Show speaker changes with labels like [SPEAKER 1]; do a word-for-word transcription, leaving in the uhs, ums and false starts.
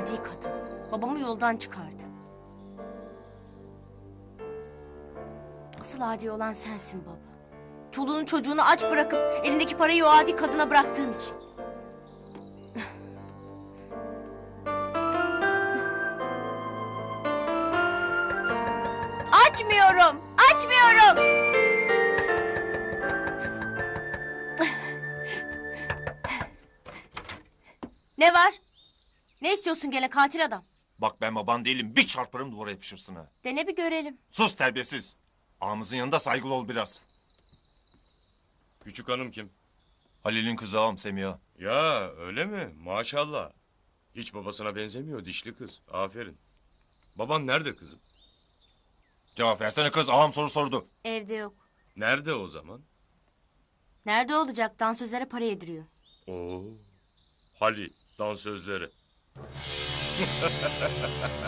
[SPEAKER 1] adi kadın. Babamı yoldan çıkardı. Asıl adi olan sensin baba. Çoluğunu çocuğunu aç bırakıp elindeki parayı o adi kadına bıraktığın için. Açmıyorum! Açmıyorum! Ne var? Ne istiyorsun gene katil adam?
[SPEAKER 2] Bak ben baban değilim, bir çarparım duvara yapışırsın ha.
[SPEAKER 1] Dene bir görelim.
[SPEAKER 2] Sus terbiyesiz. Ağamızın yanında saygılı ol biraz.
[SPEAKER 3] Küçük hanım kim?
[SPEAKER 2] Halil'in kızı ağam Semiha.
[SPEAKER 3] Ya öyle mi? Maşallah. Hiç babasına benzemiyor dişli kız. Aferin. Baban nerede kızım?
[SPEAKER 2] Cevap versene kız, ağam soru sordu.
[SPEAKER 1] Evde yok.
[SPEAKER 3] Nerede o zaman?
[SPEAKER 1] Nerede olacak? Dansözlere para yediriyor.
[SPEAKER 3] Oo. Hali dansözleri.